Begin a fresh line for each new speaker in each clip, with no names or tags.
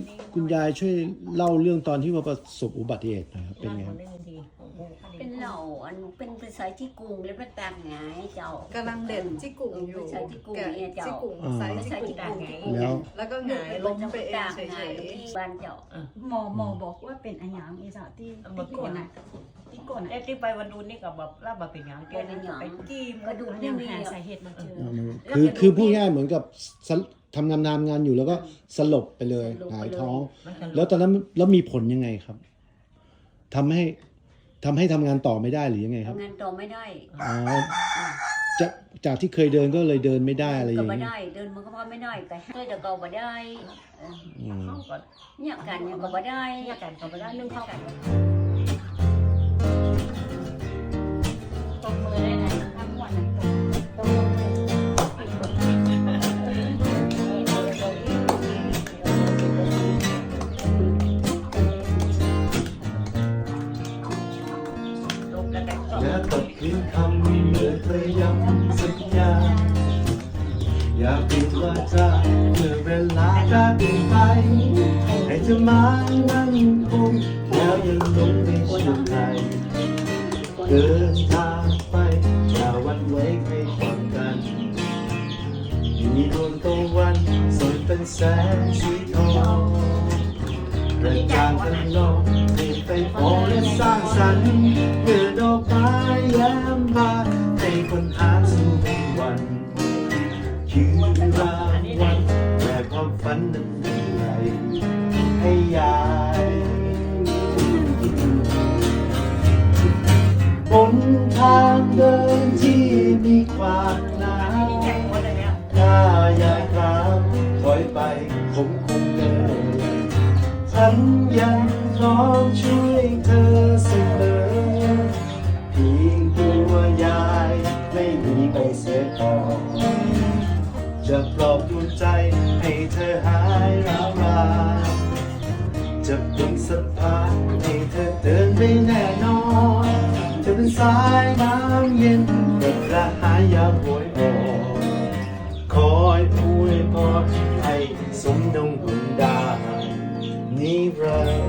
คุณยายช่วยเล่าเรื่องตอนที่ว่าประสบอุบัติเหตุหนะครับเป็นไงครับ
เป็นเหล่าอันเป็นภาษาที่กรุงแล้วพระตังไงเจ้าก
ำลังเด็ดจิกุ่งอยู่
ภาษาที่กรุงเนี่ยเจ้า
จิกุ่งไซส์
ภา
จิ
ษา
กุ่
ที่
ง
กรุง
แล้วก็หงายล้มไปเองเฉ
ไง
ย
ที่บ้านเจ้า
หมอบอกว่าเป็นอันยังอีจ้ะที่โกนอ่ะที่โกน
แต่
อ่ะ
ที่ไปวันดูนี่ก็แบบรับมาเป็นอย่างแกนั่นไปจี้ม
กระดูก
ยั
นี่
ง
มี
หาสาเหตุมาเจอ
คือพูดง่ายเหมือนกับทำงานอยู่แล้วก็สลบไปเลยหงายท้อง แล้วตอนนั้นแล้วมีผลยังไงครับทำให้ทำงานต่อไม่ได้หรือยังไงครับ
ทำงานต่อไม่ได้
อ๋อจากที่เคยเดินก็เลยเดินไม่ได้อะไรอ
ก็
ย่าง
ไม่
นี้
ได้เดินมันก็พอไม่ได้แต่ให้แต่ก็ไม่ได้
อืม
เขาก็
เนี่ยกันเนี่ยก็ไม่ได้
แยกกันก็ไม่ได้นึ่งเข้ากัน
ตบมือได้ไหนทั้งวันนั้นตบ
ลงกันก็
และตกลิ้นคำไม่เหลือเคยย้ำสัญญาอยากปิดว่าจะเมื่อเวลาจะเปลี่ยนไปให้เธอมานั่งคุมแล้วยังหลงในช่วงไหนเดินทางไปอย่าหวันไหวให้ฟังกันมีดวงตะวันสดเป็นแสงสีทองกระจ่างกันนองให้ไปพอและสร้างสรรค์เมื่อดอกไม้แย้มบานให้คนหาสู่วันคือรางวัลแต่ความฝันนั้นมีไรให้ยายบนทางเดินที่มีความหนาวถ้ายายครับถอยไปผมคงเดินฉันยังพร้อมช่วยเธอเสมอเพียงตัวยายไม่มีไปเสียก่อนจะปลอบดวงใจให้เธอหายร้าวรานจะเป็นสะพานให้เธอเดินไปแน่นอนจะเป็นสายน้ำเย็นเด็กระหายยามโหยอ่อนคอยอวยพรให้สมดงบุญดานิรันดร์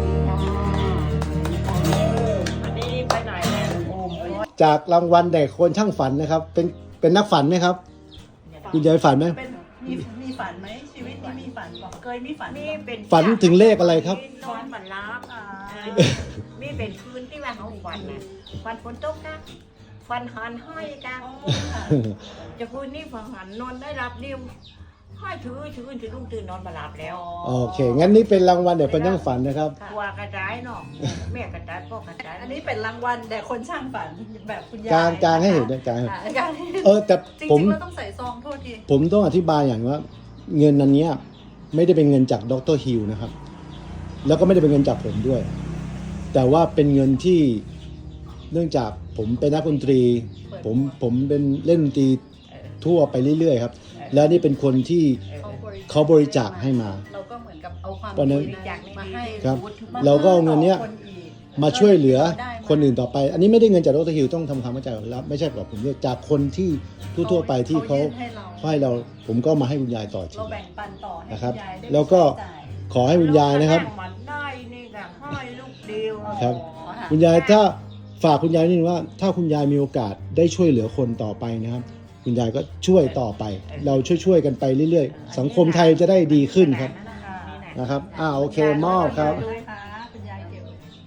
อันนี้ไปไหนเนี่ยโอ้โห
จากรางวัลเด็กคนช่างฝันนะครับ เป็นนักฝันไหมครับ คุณยายฝันไหม
เป็นมีฝันไหมชีวิตนี้มีฝันบอกเคยมีฝัน
มีเป็น
ฝันถึงเลขอะไรครับ
นอนมันรับมีเป็นคืนที่ว่าเขาฝันนะฝันฝนตกนะฝันหันห้อยกันจะคืนนี้ฝันหันนอนได้รับเดียวห้อยถือลุงตื่นนอนมาหลับแล้ว
โอเค งั้นนี่เป็นรางวัลเด็กคนช่างฝันนะครับ
ตัวกระจายเนาะแม่กระจายพ่อกระจาย
อันนี้เป็นรางวัลแต่คนช่างฝันแบบคุณยาย
กลางให้เห็นด้วยกลางให้
ค่ะกลางให้เห็น
แต่
จริ
ผม
งๆเราต้องใส่ซองโทษที
ผมต้องอธิบายอย่างว่า เงินอันเนี้ยไม่ได้เป็นเงินจากดรฮิลนะครับ แล้วก็ไม่ได้เป็นเงินจากผมด้วย แต่ว่าเป็นเงินที่เนื่องจากผมเป็นนักดนตรี ผมเป็นเล่นดนตรีทั่วไปเรื่อยๆครับ แล้วนี่เป็นคนที่เขาบริจาคให้มา
เราก็เหมือนกับเอาความ
ตอนนั้น
บริจาคมาให้
ครับ เราก็เอาเงินเนี้ย
คนอีก
มาช่วยเหลือ
ได้มา
คนอื่นต่อไป อันนี้ไม่ได้เงินจากดรฮิลต้องทำความเข้าใจก่อนแล้วไม่ใช่กับผมเนี่ยจากคนที่ทั่วๆไปที่เขา
ยื่นให้เรา
ให้เราผมก็มาให้คุณยายต่อที
เราแบ่งปันต่อให้
นะครับ
ณยายได้
แล้วก็
ใช้จ่าย
ขอให้คุณยายนะครับ
มันได้นี่ก็ห้อยลูกเดียว
ครับ
อ๋อค่ะ
คุณยายถ้าฝากคุณยายนิดนึงว่า ถ้าคุณยายมีโอกาสได้ช่วยเหลือคนต่อไปนะครับ คุณยายก็ช่วยต่อไป เราช่วยกันไปเรื่อยๆ สังคมไทยจะได้ดีขึ้นครับนะครับโอเคมอบครับ
ด้วยค่ะคุณยายเก็บ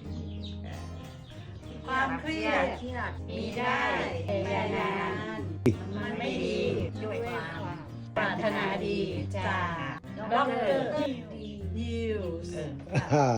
ความเครียด
มีได้แต่อย่านานมันไม่ดี
ด้วยความ
ปรารถนาดีจากดร. ยิวส์